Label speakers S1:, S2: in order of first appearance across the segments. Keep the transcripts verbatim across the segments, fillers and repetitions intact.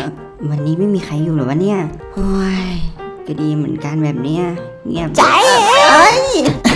S1: อวันนี้ไม่มีใครอยู่หรอวะเนี่ยโอ้ยก็ดีเหมือนกันแบบเนี้ยเงียบ
S2: ใจเอ้ย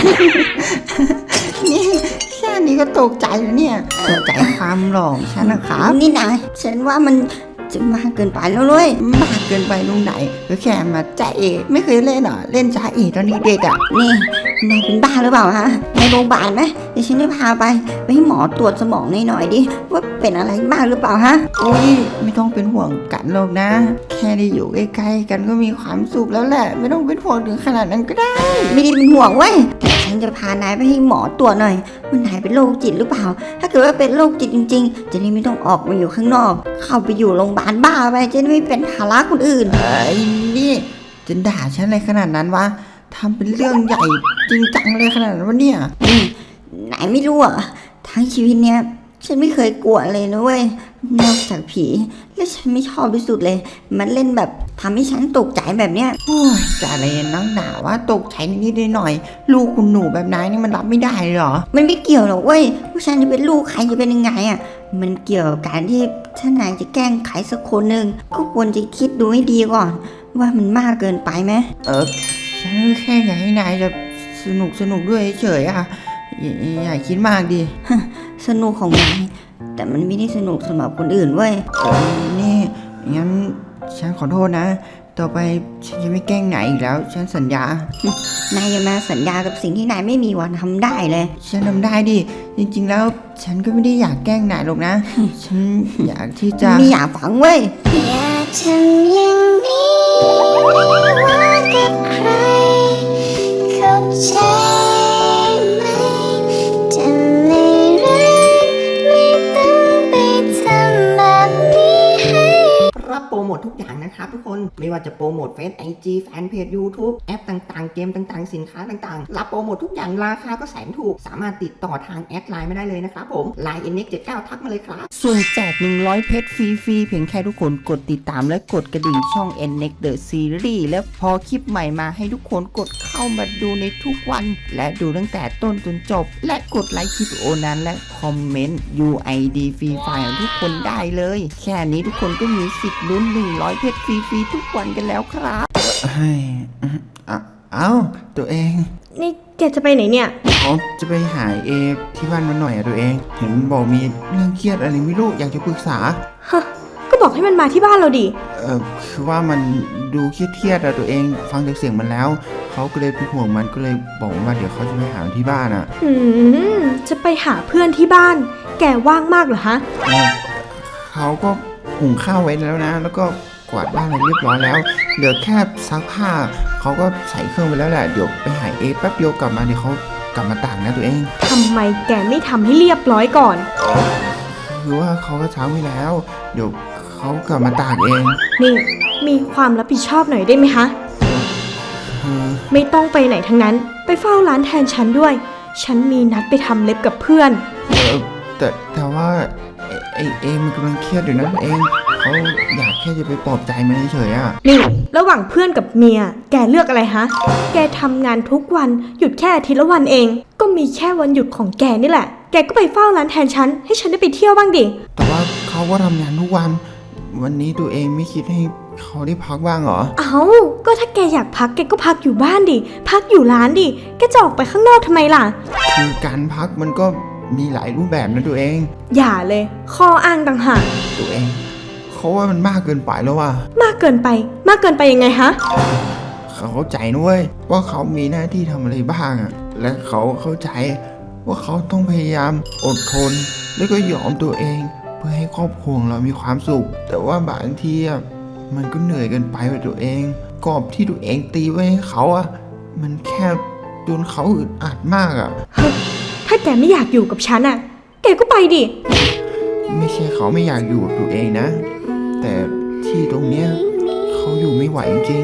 S2: นี่แค่นี้ก็ตกใจแล้วเนี่ยตกใจความหล่อฉันนะครับ
S1: นี่นายฉันว่ามันจะมากเกินไปแล้วเลย
S2: มากเกินไปตรงไหนก็แค่มาใจเอไม่เคยเล่นหรอเล่นจ้าเอตอนนี้เด็กอ่ะ
S1: นี่นายเป็นบ้าหรือเปล่าฮะในโรงพยาบาลไหมเดี๋ยวฉันจะพาไปไปให้หมอตรวจสมองหน่อยๆดิว่าเป็นอะไรบ้างหรือเปล่าฮะ
S2: อุ้ยไม่ต้องเป็นห่วงกันหรอกนะแค่ได้อยู่ใกล้ๆกันก็มีความสุขแล้วแหละไม่ต้องเป็นห่วงถึงขนาดนั้นก็ได้
S1: ไม่ได้เป็นห่วงเว้ยแต่ฉันจะพานายไปให้หมอตรวจหน่อยว่านายเป็นโรคจิตหรือเปล่าถ้าเกิดว่าเป็นโรคจิตจริงๆจะได้ไม่ต้องออกมาอยู่ข้างนอกเข้าไปอยู่โรงพยาบาลบ้าไปจะได้ไม่เป็นภาระคนอื่น
S2: ไอ้นี่จะด่าฉันอะไรขนาดนั้นวะทำเป็นเรื่องใหญ่จริงจังเลยขนาดนั้นวะเนี่ย
S1: นี่นายไม่รู้อ่ะทั้งชีวิตเนี้ยฉันไม่เคยกลัวเลยนะเว้ยนอกจากผีและฉันไม่ชอบที่สุดเลยมันเล่นแบบทำให้ฉันตกใจแบบเนี้ย
S2: โอ้ยจะอะไรนักหนาว่าตกใจนิดๆหน่อยๆลูกคุณหนูแบบนายนี่มันรับไม่ได้หรอ
S1: มันไม่เกี่ยวหรอกเว้ยว่าฉันจะเป็นลูกใครจะเป็นยังไงอ่ะมันเกี่ยวกับการที่ถ้านายจะแกล้งใครสักคนหนึ่งก็ควรจะคิดดูให้ดีก่อนว่ามันมากเกินไปไหม
S2: เออฉันแค่อยากให้นายจะสนุกสนุกด้วยเฉยๆอะอย่าคิดมากดิ
S1: สนุกของนายแต่มันไม่ได้สนุกสำหรับคนอื่นเว้ย
S2: เออนี่งั้นฉันขอโทษนะต่อไปฉันจะไม่แกล้งนายอีกแล้วฉันสัญญาน
S1: ายอย่ามาสัญญากับสิ่งที่นายไม่มีวันทำได้เลย
S2: ฉันทำได้ดิจริงๆแล้วฉันก็ไม่ได้อยากแกล้งนายหรอกนะฉันอยากที่จะ
S1: ไม่อยากฟังเว้ย
S3: อยากทำอย่างนี้ว่ากับใครเข้าใจไหมจะไม่รักไม่ต้องไปทำแบบนี้ให้
S2: รับโปรโมททุกอย่างนะครับทุกคนไม่ว่าจะโปรโมทเฟซไอจีแฟนเพจ YouTube แอปต่างๆเกมต่างๆสินค้าต่างๆรับโปรโมททุกอย่างราคาก็แสนถูกสามารถติดต่อทางแอดไลน์ไม่ได้เลยนะครับผม ไลน์ เอ็น เอ็กซ์ เจ็ดสิบเก้า ทักมาเลยครับส่วนแจกหนึ่งร้อยเพชรฟรีๆเพียงแค่ทุกคนกดติดตามและกดกระดิ่งช่อง เอ็น เอ็กซ์ The Series แล้วพอคลิปใหม่มาให้ทุกคนกดเข้ามาดูในทุกวันและดูตั้งแต่ต้นจนจบและกดไลค์คลิปวิดีโอนั้นและคอมเมนต์ ยู ไอ ดี ฟรีไฟล์ของทุกคนได้เลยแค่นี้ทุกคนก็มีสิทธิ์ลุ้นหนึ่งร้อยเพชรฟรีๆทุกวันกันแล้วครับเฮ้ยเอ้าตัวเอง
S4: นี่แกจะไปไหนเนี่ย
S2: อ๋อจะไปหาเอที่บ้านมันหน่อยอะตัวเองเห็นบอกมีเรื่องเครียดอะไรไม่รู้อยากจะปรึกษา
S4: ฮะก็บอกให้มันมาที่บ้านเราดิ
S2: เออคือว่ามันดูเครียดๆอะตัวเองฟังจากเสียงมันแล้วเขาก็เลยเป็นห่วงมันก็เลยบอกว่าเดี๋ยวเขาจะไปหาที่บ้านอะ
S4: อืมจะไปหาเพื่อนที่บ้านแกว่างมากเหรอฮะ
S2: เขาก็หุงข้าวไว้แล้วนะแล้วก็กวาดบ้านอะไรเรียบร้อยแล้วเหลือแค่ซักผ้าเขาก็ใส่เครื่องไปแล้วแหละเดี๋ยวไปหาเอแป๊บเดียวกลับมาเดี๋ยวเขากลับมาตากนะตัวเอง
S4: ทำไมแกไม่ทำให้เรียบร้อยก่อน
S2: คือว่าเขาก็ช้าไปแล้วเดี๋ยวเขากลับมาตากเอง
S4: นี่มีความรับผิดชอบหน่อยได้ไหมคะไม่ต้องไปไหนทั้งนั้นไปเฝ้าร้านแทนฉันด้วยฉันมีนัดไปทำเล็บกับเพื่อน
S2: เออแต่แต่ว่าไอเอมันกำลังเครียดอยู่นะตัวเองเขาอยากแค่จะไปปลอบใจมันเฉยๆอ่ะ
S4: นี่ระหว่างเพื่อนกับเมียแกเลือกอะไรฮะแกทำงานทุกวันหยุดแค่อาทิตย์ละวันเองก็มีแค่วันหยุดของแกนี่แหละแกก็ไปเฝ้าร้านแทนฉันให้ฉันได้ไปเที่ยวบ้างดิ
S2: แต่ว่าเขาก็ทำงานทุกวันวันนี้ตัวเองไม่คิดให้เขาได้พักบ้างเหรอ
S4: เอ้าก็ถ้าแกอยากพักแกก็พักอยู่บ้านดิพักอยู่ร้านดิแกจะออกไปข้างนอกทำไมล่ะ
S2: คือการพักมันก็มีหลายรูปแบบนะตัวเอง
S4: อย่าเลยข้ออ้างต่างหาก
S2: ตัวเองเขาว่ามันมากเกินไปแล้วว่ะ
S4: มากเกินไปมากเกินไปยังไงฮะ
S2: เขาเข้าใจนะเว้ยว่าเขามีหน้าที่ทำอะไรบ้างอ่ะและเขาเข้าใจว่าเขาต้องพยายามอดทนแล้วก็ยอมตัวเองเพื่อให้ครอบครัวเรามีความสุขแต่ว่าบางทีอ่ะมันก็เหนื่อยเกินไปกับตัวเองกรอบที่ตัวเองตีไว้ให้เขาอ่ะมันแค่จนเขาอึดอัดมากอ่ะ
S4: ถ้าแกไม่อยากอยู่กับฉันอ่ะแกก็ไปดิ
S2: ไม่ใช่เขาไม่อยากอยู่กับตัวเองนะแต่ที่ตรงเนี้ยเขาอยู่ไม่ไหวจริง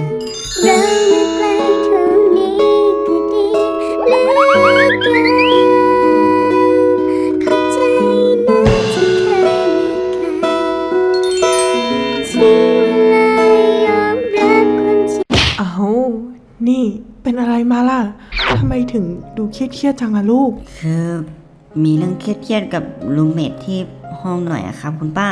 S4: อ้าวนี่เป็นอะไรมาล่ะทำไมถึงดูเครียดๆจังล่ะลูก
S1: คือมีเรื่องเครียดๆกับรูมเมทที่ห้องหน่อยอะครับคุณป้า
S4: ฮ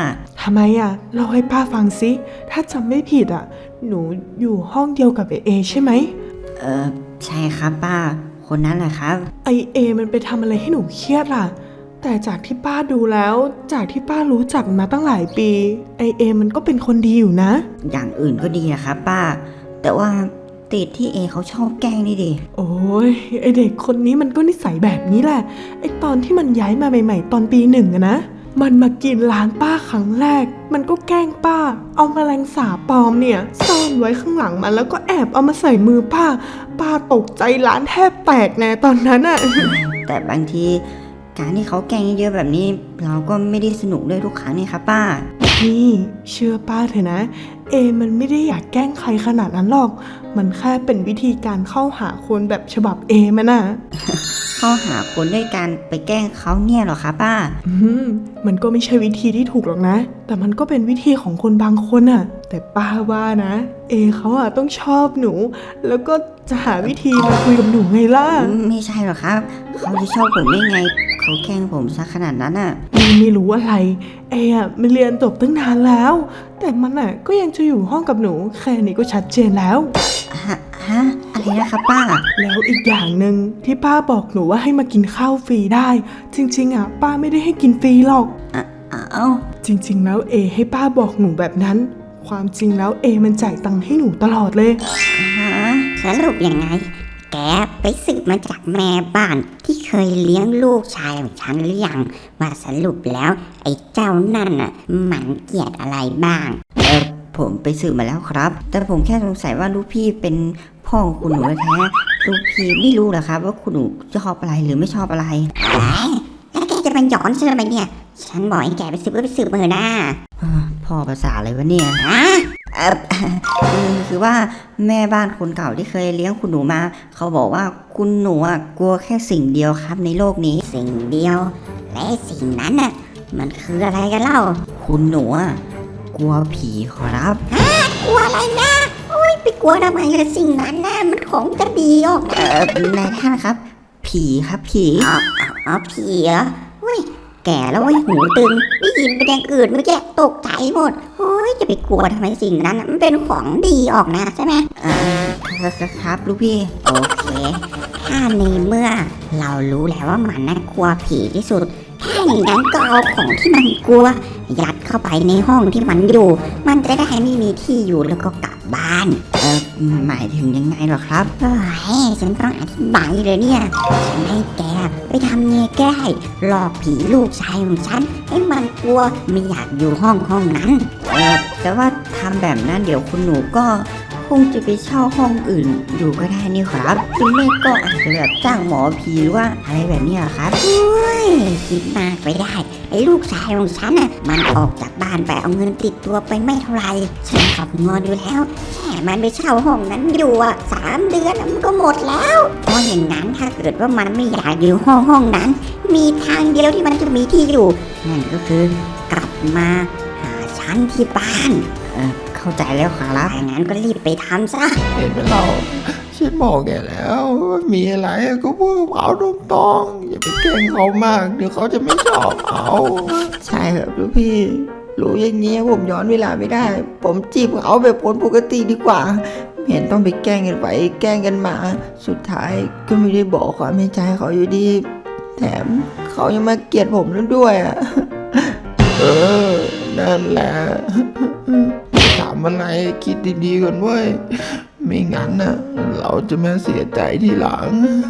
S5: ทำไมอ่ะเล่าให้ป้าฟังสิถ้าจำไม่ผิดอ่ะหนูอยู่ห้องเดียวกับไอเอใช่ไหม
S1: เออใช่ครับป้าคนนั้นแหละครับ
S5: ไอเอมันไปทำอะไรให้หนูเครียดล่ะแต่จากที่ป้าดูแล้วจากที่ป้ารู้จักมาตั้งหลายปีไอเอมันก็เป็นคนดีอยู่นะ
S1: อย่างอื่นก็ดีนะครับป้า แต่ว่าติดที่เอเขาชอบแกล้งนี่ดิ
S5: โอ้ยไอเด็กคนนี้มันก็นิสัยแบบนี้แหละไอตอนที่มันย้ายมาใหม่ๆตอนปีหนึ่งอะนะมันมากินร้านป้าครั้งแรกมันก็แกล้งป้าเอาแมลงสาบปลอมเนี่ยซ่อนไว้ข้างหลังมันแล้วก็แอบเอามาใส่มือป้าป้าตกใจร้านแทบแตกแน่ตอนนั้นอะ
S1: แต่บางทีการที่เขาแกล้งเยอะๆแบบนี้ เราก็ไม่ได้สนุกด้วยทุกครั้งนี่ครับป้า
S5: นี่เชื่อป้าเถอะนะเอมันไม่ได้อยากแกล้งใครขนาดนั้นหรอกมันแค่เป็นวิธีการเข้าหาคนแบบฉบับเอมันน่ะ
S1: เข้าหาคนด้วยการไปแกล้งเขาเนี่ยเหรอคะป้า
S5: อืมมันก็ไม่ใช่วิธีที่ถูกหรอกนะ แต่มันก็เป็นวิธีของคนบางคนน่ะ แต่ป้าว่านะ เอเขาอะต้องชอบหนู แล้วก็จะหาวิธีมาคุยกับหนูไงล่ะ
S1: ไม่ใช่หรอกครับ เขาจะชอบผมได้ไง เขาแกล้งผมซะขนาดนั้นอ่ะ
S5: นี่ไม่รู้อะไรเออะมันเรียนจบตั้งนานแล้ว แต่มันอะก็ยังจะอยู่ห้องกับหนูแค่นี้ก็ชัดเจนแล้ว
S1: ฮะฮะอะไรนะครับป้า
S5: แล้วอีกอย่างหนึ่งที่ป้าบอกหนูว่าให้มากินข้าวฟรีได้ จริงๆอ่ะป้าไม่ได้ให้กินฟรีหรอก
S1: อ่ะเอ้า
S5: จริงๆแล้วเอให้ป้าบอกหนูแบบนั้น ความจริงแล้วเอมันจ่ายตังค์ให้หนูตลอดเลย
S1: ฮะ
S3: สรุปยังไง แกไปสืบมาจากแม่บ้านที่เคยเลี้ยงลูกชายของฉันหรือยังว่าสรุปแล้ว ไอ้เจ้านั่นน่ะมันเกลียดอะไรบ้าง
S1: เออผมไปสืบมาแล้วครับ แต่ผมแค่สงสัยว่าลูกพี่เป็นพ่อของคุณหนูแท้ๆลูกพี่ไม่รู้เหรอครับ ว่าคุณหนูชอบอะไรหรือไม่ชอบอะไร
S3: ไอ้แล้วแกจะมาหยอนฉันทำไมเนี่ย ฉันบอกให้แกไปสืบก็ไปสืบมาเถอะนะ
S1: พ่อภาษาอะไรวะเนี่ย
S3: ฮะ
S1: เออคือคือว่าแม่บ้านคนเก่าที่เคยเลี้ยงคุณหนูมา เขาบอกว่าคุณหนูอ่ะกลัวแค่สิ่งเดียวครับในโลกนี้
S3: สิ่งเดียว และสิ่งนั้นน่ะมันคืออะไรกันเล่า
S1: คุณหนูอ่ะกลัวผีครับ
S3: กลัวอะไรนะโอ้ยไปกลัวทำไมเลยสิ่งนั้นนะมันของจะดีออก
S1: เออนายท่านครับ ผีครับผี
S3: อ๋ออ๋ออ๋อผีเหรอเฮ้ยแก่แล้วเว้ยหูตึงได้ยินเป็นอย่างอื่นเมื่อกี้ตกใจหมดโอ้ยจะไปกลัวทำไมสิ่งนั้นน่ะมันเป็นของดีออกนะใช่ไหม
S1: เออครับลูกพี่
S3: โอเค ถ้าในเมื่อเรารู้แล้วว่ามันน่ากลัวผีที่สุดถ้าอย่างนั้นก็เอาของที่มันกลัว ยัดเข้าไปในห้องที่มันอยู่ มันจะได้ไม่มีที่อยู่แล้วก็กลับบ้าน
S1: เออหมายถึงยังไงเหรอครับ
S3: เฮ้ยฉันต้องอธิบายเลยเนี่ย ฉันให้แกไปทำเนียแก้หลอกผีลูกชายของฉันให้มันกลัวไม่อยากอยู่ห้องห้องนั้น
S1: เออแต่ว่าทำแบบนั้นเดี๋ยวคุณหนูก็คงจะไปเช่าห้องอื่นอยู่ก็ได้นี่ครับหรือไม่ก็อาจจะแบบจ้างหมอผีหรือว่าอะไรแบบเนี้ยครับ
S3: เฮ้ยคิดมากไปได้ ไอ้ลูกชายของฉันน่ะมันออกจากบ้านไปเอาเงินติดตัวไปไม่เท่าไหร่ฉันขับงอนอยู่แล้วแค่มันไปเช่าห้องนั้นอยู่อ่ะสามเดือนน่ะมันก็หมดแล้วเพราะอย่างนั้นถ้าเกิดว่ามันไม่อยากอยู่ห้องห้องนั้น มีทางเดียวที่มันจะมีที่อยู่นั่นก็คือกลับมาหาฉันที่บ้าน
S1: เออเข้าใจแล้วครับ
S3: ถ้างั้นก็รีบไปทำซะ
S6: เห็นไหมเราฉันบอกแกแล้วว่ามีอะไรก็พูดกับเขาตรงๆอย่าไปแกล้งเขามากเดี๋ยวเขาจะไม่ชอบเอา
S2: ใช่ครับลูกพี่รู้อย่างเงี้ยผมย้อนเวลาไม่ได้ ผมจีบเขาแบบคนปกติดีกว่าไม่เห็นต้องไปแกล้งกันไปแกล้งกันมา สุดท้ายก็ไม่ได้บอกความในใจเขาอยู่ดี แถมเขายังมาเกลียดผมแล้วด้วยอ่ะ
S6: เออนั่นแหละถามอะไรคิดดีๆก่อนเว้ยไม่งั้นน่ะเราจะมาเสียใจทีหลัง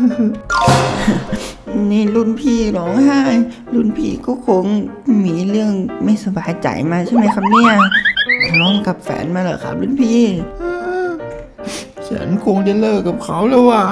S2: นี่รุ่นพี่ร้องไห้ รุ่นพี่ก็คงมีเรื่องไม่สบายใจมาใช่ไหมครับเนี่ยทะเลาะกับแฟนมาเหรอครับรุ่นพี่
S6: ฉันคงจะเลิกกับเขาแล้วว่ะ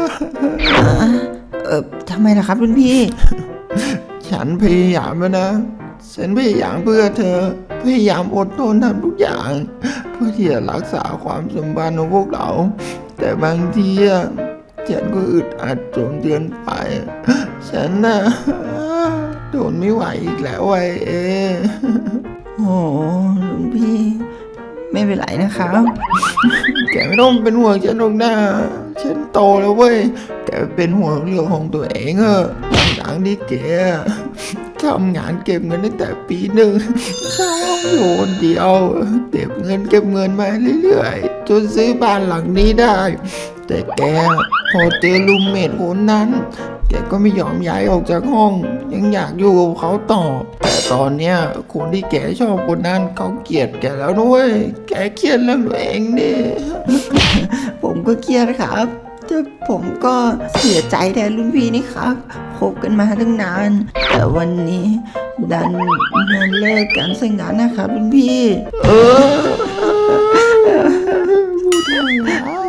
S2: เออทำไมล่ะครับรุ่นพี่
S6: ฉันพยายามแล้วนะ ฉันพยายามเพื่อเธอ พยายามอดทนทำทุกอย่าง เพื่อที่จะรักษาความสัมพันธ์ของพวกเรา แต่บางทีอะฉันก็อึดอัดจนเกินไป ฉันน่ะทนไม่ไหวอีกแล้วไอ้เอ
S2: โอ้โหรุ่นพี่ ไม่เป็นไรนะครับ
S6: แกไม่ต้องเป็นห่วงฉันหรอกนะ ฉันโตแล้วเว้ย แกเป็นห่วงเรื่องของตัวเองเออะทั้งๆที่แกกทำงานเก็บเงินตั้งแต่ปีหนึ่งเช่าห้องอยู่คนเดียวเก็บเงินเก็บเงินมาเรื่อยๆจนซื้อบ้านหลังนี้ได้ แต่แกพอเจอรูมเมทคนนั้น แกก็ไม่ยอมย้ายออกจากห้อง ยังอยากอยู่กับเขาต่อ แต่ตอนเนี้ยคนที่แกชอบคนนั้นเขาเกลียดแกแล้วด้วยแกเครียดเรื่องตัวเองดิ
S2: ผมก็เครียดครับแต่ผมก็เสียใจแทนรุ่นพี่นี่ครับคบกันมาตั้งนาน แต่วันนี้ดันมาเลิกกันซะงั้นนะครับรุ่นพี่
S6: เออพูดได้แล้ว